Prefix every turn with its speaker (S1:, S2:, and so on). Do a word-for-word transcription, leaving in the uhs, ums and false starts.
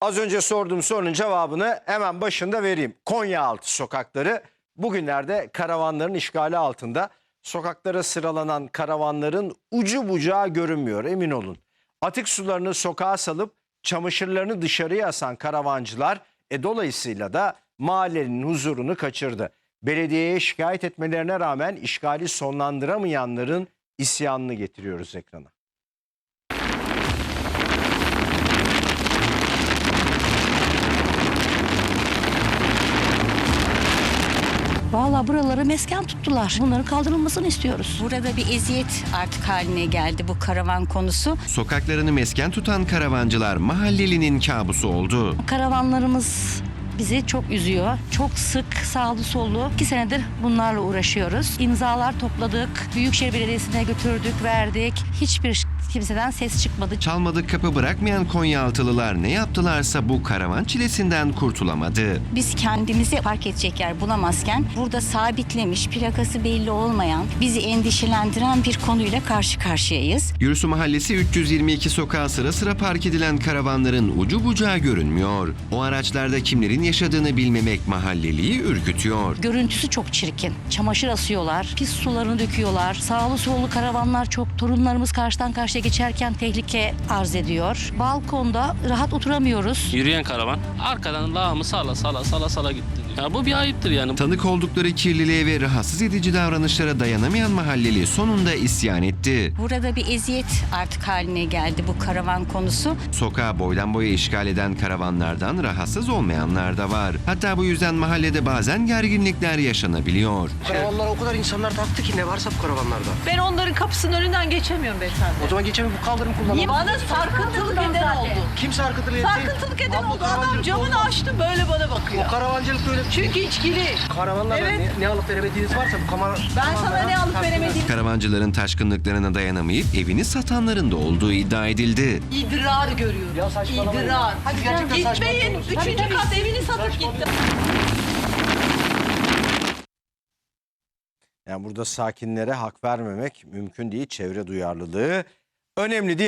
S1: Az önce sorduğum sorunun cevabını hemen başında vereyim. Konyaaltı sokakları bugünlerde karavanların işgali altında. Sokaklara sıralanan karavanların ucu bucağı görünmüyor, emin olun. Atık sularını sokağa salıp çamaşırlarını dışarıya asan karavancılar e, dolayısıyla da mahallenin huzurunu kaçırdı. Belediyeye şikayet etmelerine rağmen işgali sonlandıramayanların isyanını getiriyoruz ekrana.
S2: Vallahi buraları mesken tuttular. Bunların kaldırılmasını istiyoruz.
S3: Burada bir eziyet artık haline geldi bu karavan konusu.
S4: Sokaklarını mesken tutan karavancılar mahallelinin kabusu oldu.
S2: Karavanlarımız bizi çok üzüyor. Çok sık sağlı sollu iki senedir bunlarla uğraşıyoruz. İmzalar topladık. Büyükşehir Belediyesi'ne götürdük, verdik. Hiçbir kimseden ses çıkmadı.
S4: Çalmadık kapı bırakmayan Konyaaltılılar ne yaptılarsa bu karavan çilesinden kurtulamadı.
S3: Biz kendimizi park edecek yer bulamazken burada sabitlemiş, plakası belli olmayan, bizi endişelendiren bir konuyla karşı karşıyayız.
S4: Gürsu Mahallesi üç yüz yirmi iki sokağa sıra sıra park edilen karavanların ucu bucağı görünmüyor. O araçlarda kimlerin yaşadığını bilmemek mahalleliyi ürkütüyor.
S2: Görüntüsü çok çirkin. Çamaşır asıyorlar, pis sularını döküyorlar. Sağlı sollu karavanlar çok. Torunlarımız karşıdan karşıya geçerken tehlike arz ediyor. Balkonda rahat oturamıyoruz.
S5: Yürüyen karavan arkadan lağımı sala sala sala sala gitti. Ya bu bir ayıptır yani.
S4: Tanık oldukları kirliliğe ve rahatsız edici davranışlara dayanamayan mahalleli sonunda isyan etti.
S3: Burada bir eziyet artık haline geldi bu karavan konusu.
S4: Sokağı boydan boya işgal eden karavanlardan rahatsız olmayanlar da var. Hatta bu yüzden mahallede bazen gerginlikler yaşanabiliyor.
S6: Karavanlara o kadar insanlar taktı ki ne varsa bu karavanlarda.
S7: Ben onların kapısının önünden geçemiyorum beyefendi.
S6: O zaman geçemem, bu kaldırım kullanalım.
S7: Bana sarkıntılık eden oldu.
S6: Kim sarkıntılığı etti?
S7: Sarkıntılık eden
S6: Abla,
S7: oldu. Adam
S6: karavancılık
S7: camını
S6: olmaz.
S7: açtı böyle bana bakıyor.
S6: O karavancılık böyle.
S7: Çünkü içkili.
S6: Karavanlarda
S7: Evet.
S6: ne, ne alıp veremediğiniz varsa bu kamera...
S7: Ben sana ne alıp veremediğim
S4: Karavancıların taşkınlıklarına dayanamayıp evini satanların da olduğu iddia edildi.
S7: idrar görüyorum.
S6: Ya saçmalamayın.
S7: İdrar.
S6: Hadi gerçekten
S7: Gitmeyin.
S6: saçmalamayın.
S7: Üçüncü kat evini satıp gitti.
S1: Yani burada sakinlere hak vermemek mümkün değil. Çevre duyarlılığı önemli değil.